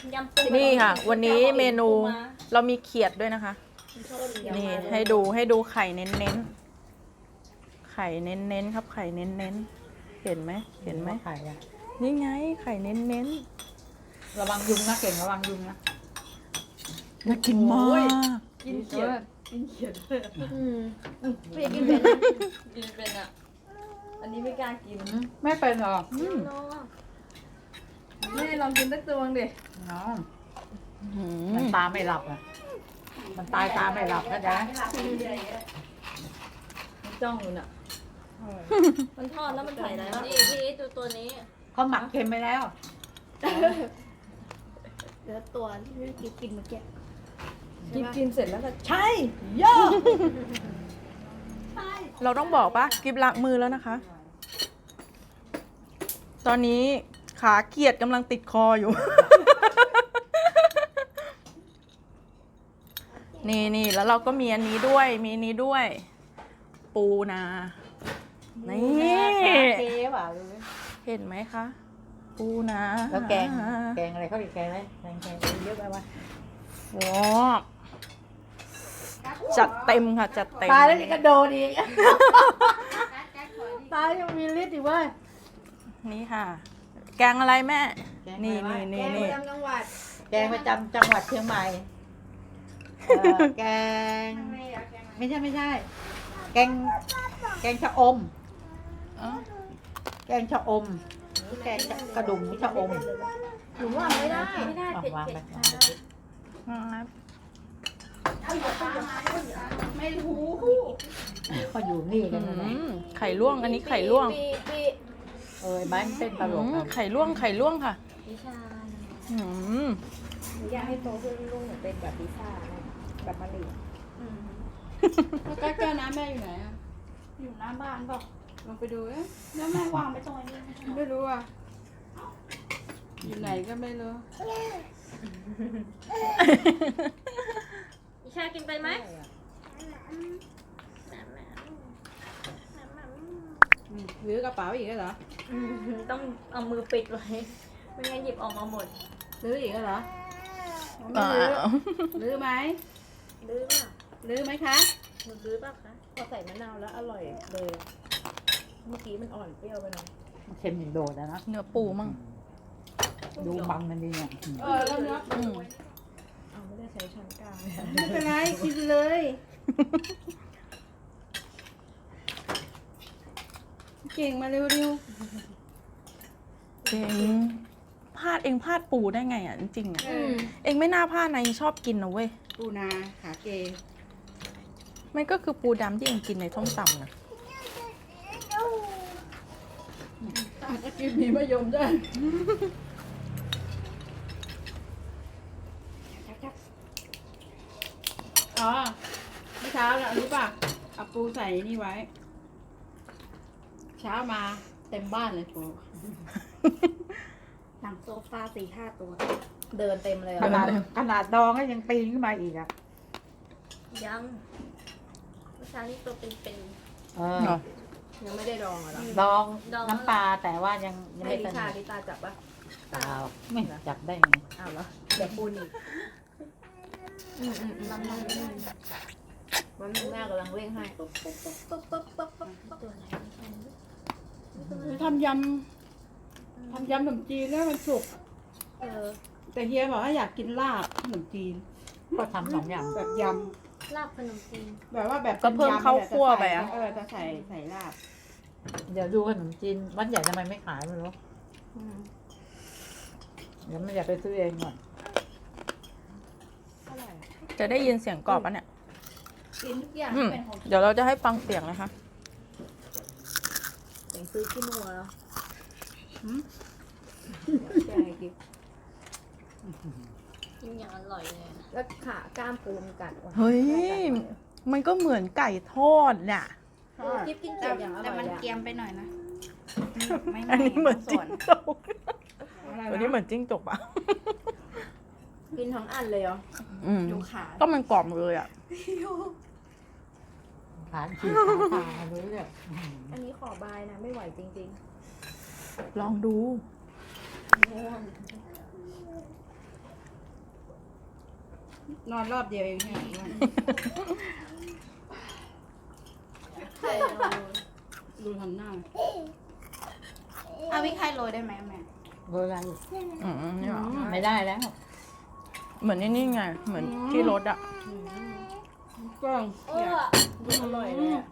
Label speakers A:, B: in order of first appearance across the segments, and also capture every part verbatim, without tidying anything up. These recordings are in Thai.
A: ยำปู
B: นี่ค่ะ วันนี้เมนูเรามีเขียดด้วยนะคะ นี่ให้ดูให้ดูไข่เน้นๆไข่เน้นๆครับไข่เน้นๆเห็นไหมเห็นไหม
C: ไข่อะ
B: นี่ไงไข่เน้น
C: ระวังยุงนะเก่งระวังยุงนะ
B: ๆน่ากินมาก
C: กินเขียด
A: อืมไม่กินเป็นนะกินเป็นอ่ะอันนี้ไม่กล้ากิน
C: ไม่เป็นหรอก
B: อืม
A: น้อง
D: แม่ลองกินสักตัวดิ
C: น้อง
B: อื
C: มัน
B: ม
C: ตาไม่หลับอ่ะมันตายตาไม่หลับนะจ๊ะ
A: มันจ้องอยู่น่ะมันทอดแล้วมันใส่อะไรวะนี่พี่ดูตัวนี้
C: เขาหมักเค็มไปแล้ว
D: เดี๋ยวตัวที่พี่กินกินเมื่อกี้
A: กินกินเสร็จแล้วก็
C: ใช่ย่อ
B: เราต้องบอกปะกิบล้างมือแล้วนะคะ ตอนนี้ขาเกียดกำลังติดคออยู่ นี่นี่แล้วเราก็มีอันนี้ด้วย มีอันนี้ด้วย ปูนา นี่
C: เก๋ว่ะ
B: เห็นไหมคะ ปูนา
C: แล้วแกงแกงอะไรเขาอีกแกงอะไรแกงแกงเยอะไปวะ
B: ว้าวจัดเต็มค่ะ จัดเต็ม
C: ตายแล้วนี่กระโดดอีกตายยังมีฤทธิ์อีกเว้ย
B: นี่ค่ะ แกงอะไรแม่ นี่นี่
D: แก
B: นี่
D: ง
B: นี่
D: ประจำจังหวัด
C: แกงประจำจังหวัดเชียงใหม่เอ่อแกงไม่ใช่ไม่ใช่ แกงแกงชะอม
B: อ๋อ
C: แกงชะอมแกงกระดุมชะอม
D: หนูว่าไม่ได้
A: ไม่ได้
C: เอา
A: เผ็ด
C: วาง
A: เผ็
C: ไป
A: ด
C: วางไป
B: ครับ
D: ไม่รู้
C: เขาอยู่นี่
B: อื
C: กันนะเนี่ย
B: มไข่ลวกอันนี้ไข่ลวก
A: ปีปี
C: เออไม้มันเต้นตลก
B: อืม
C: อะ
B: ไข่ลวกไข่ลวกค่ะ
A: วิชา
B: อืม
D: หนูอยากให้โตขึ้นลูกหนูเป็นแบบพิซซ่านะแบบมะลิ
A: อืม
D: แล้วก็แก้วน้ำแม่อยู่ไหนอ่ะอยู่หน้าบ้านเปล่าลองไปดูเอ๊ะแล้วแม่วางไปตรงนี้ไม่รู้อ่ะอยู่ไหนก็ไม่รู้
A: วิชากินไปไหม
D: หรือกระเป๋าอีกแล้วเหรอ
A: อืมต้องเอามือปิดไว้ ไม่งั้นหยิบออกมาหมด
D: หรืออีกแล้วเหรอไม่
B: อ่า
D: รื้อหรือไหม
A: รื้อเปล่า
D: หรือไหมคะ
A: หนูรื้อเปล่าคะ
D: พอใส่มะนาวแล้วอร่อยเลยเมื่อกี้มันอ่อนเปรี้ยวไปหน่อย
C: เค็มอย่างโดดอะนะ
B: เนื้อปูมั่ง
C: ดูบังมันดีเนี่ย
D: เออแล้วเนื้อ
B: อืม
D: เอาไม่ได้ใช้ช้อนกลางไม่เป็นไรกินเลยเก่งมาเร็ว
B: เองพลาดเองพลาดปูได้ไงอ่ะจริงๆอ่ะ
D: ๆเออ
B: เองไม่น่าพลาดนะเองชอบกินนะเว้ย
D: ปูนาขาเก
B: มันก็คือปูดำที่เองกินในส้มตำนะ
D: อาจจะกินมีมะยมด้วยอ๋อเมื่อเช้าน่ะรู้ป่ะเอาปูใส่นี่ไว้ เช้ามาเต็มบ้านเลยปู หนังโซฟาสี่ห้าตัว เดินเต็มเลย
C: ข
D: อ่ะ
C: นาดขนาดดองก็ยังปีนขึ้นมาอีกอ่ะ
A: ยังวิชานี่ตัวเป็นเป็น
C: เออ
B: เหรอ
D: ยังไม่ได้ดองเหรอ
C: ดอง
A: ดอง
C: น้ำปลาแต่ว่ายังยัง
D: ให้
C: ไม่
D: ดิ
C: ส
D: ชา
C: นิท
D: ดิตาจับปะ
C: เปล่าไม่จับได้ไง
D: อ้าวเหรอเดี๋ยวปูนอีก
A: อืมอืมอืมลองลองดู
D: วันนี้แม่กำลังเร่งให้
A: ตัวไหน
D: ทำยำทำยำขนมจีนแล้วมันสุก
A: เออ
D: แต่เฮียบอกว่าอยากกินลาบขนมจีน
C: ก็ทำสองอย่าง
D: แบบย
A: ลาบขนมจีน
D: ำแบบว่าแบบ
B: ก็เพิ่มข้าวคั่วไปอะ
D: เออจะใส่ใส่ลาบ
C: เดี๋ยวดูขนมจีนวัดใหญ่ทำไมไม่ขายไม่รู้
D: อืม
C: เดี๋ยวไม่อยากไปซื้อเองก่อน
D: เท่าไหร่อะ
B: จะได้ยินเสียงกรอบปะเนี่ย
D: กินทุกอย่าง
B: อืม
D: เป็นของ
B: เดี๋ยวเราจะให้ฟังเสียงนะคะ
A: เสียงซื้อขี้มัวแล้ว
D: ใช่กิน
A: กินอย่างอร่อยเลย
D: แล้วขากล้ามปูมนกัดว่ะ
B: เฮ้ย มันก็เหมือนไก่ทอดน่ะ
A: เออกิ๊บกินเก่งอย่างอร่อย
D: แต่มัน
A: อะ
D: เกรียมไปหน่อยนะไม่
B: อันนี้เหมือนจิ้งจก
D: อะไร
B: อันนี้เหมื
D: วะ
B: อนจิ้งจกปะ
A: กินทั้งอันเลยเหรอ
B: อืม
D: ดูขา
B: ก็มันกรอบเลยอ่ะ
C: ขานขีดขาตาเลยเนี่ย
D: อันนี้ขอบายนะไม่ไหวจริง
B: ลองดู
D: ๆง่วงนอนรอบเดียวเองเนี่ย
A: ไข่เรา
D: ดูทำหน้า
A: เอาพี่ไข่โรยได้ไหมแม่
C: โบราณ
B: อืมนี่หรอ
C: ไม่ได้แล้ว
B: เหมือนนี่นี่ไง เหมือนที่รถอ่ะ
D: กล้อง
A: เออดูอร่อยเลยอะ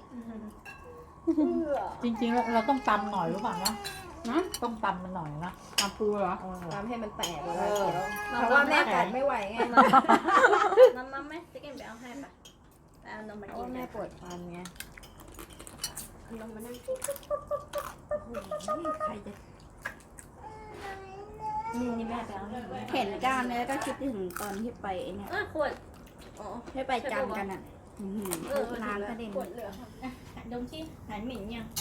C: จริงๆแล้วเราต้องตำหน่อยรู้ป่ะนะ
D: นะ
C: ต้องตำมันหน่อยนะ
D: ตามปูเหรอ
C: เออ
A: ทำให้มันแตกเว
C: เอ
A: ลา
C: อ
A: เพราะว่าแม่กัดไม่ไหวไงน้ำน้ำไหมจะกินไปเอาให้ปะไปเอานมมากินแม่ปวดฟันไงนมมานั่งกินใครจะนี่นี่แม่ไปเอาให้
E: เห็นการเนี่ยก็คิดถึงตอนที่ไปไอ้เนี่ย
A: เออขวดอ๋อ
E: ให้ไปจำกันอ่ะอื้อหือ
A: เออ
E: ร้านกระเด็น
A: ขวดเหลืออ่ะดมที่หายเหม็นยัง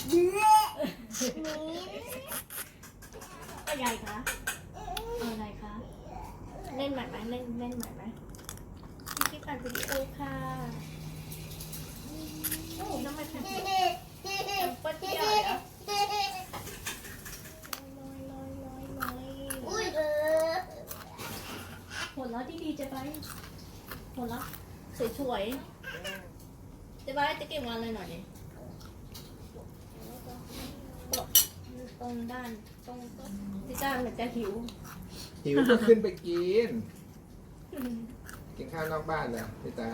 A: อะไรคะอะไรคะเล่นใหม่ไหมเล่นเล่นใหม่ไหมที่ตัดวิดีโอค่ะโอ้ทำไมแผ่นปะเดียวเดี๋ยวหัวเราะดีๆจะไปหัวเราะสวยๆจะไปจะเก็บงานอะไรหน่อยดิตรงด้านตรงที่ด้านเหมือนจะหิว
F: หิวก็ขึ้นไปกิน กินข้าวนอกบ้านนะพี่ตา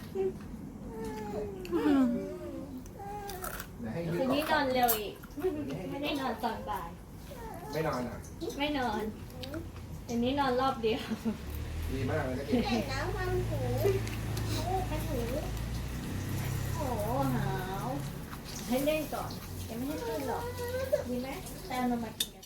F: เดี๋ยวให้ยื
A: คื
F: ด
A: น
F: ออ
A: นี้
F: ก
A: นอนเร็วอีก ไม่ได้นอนตอนบ่าย
F: ไม่นอนอ่ะ
A: ไม่นอนเดี๋ยวนี้นอนรอบเดียว
F: ดีมากเลยนะกิน
A: น้ำมันหูมันหูโอ้หาว ให้เล่นก่อนยังไม่ให้ขึ้นหรอก ดีไหมแต่เอานมมากินกัน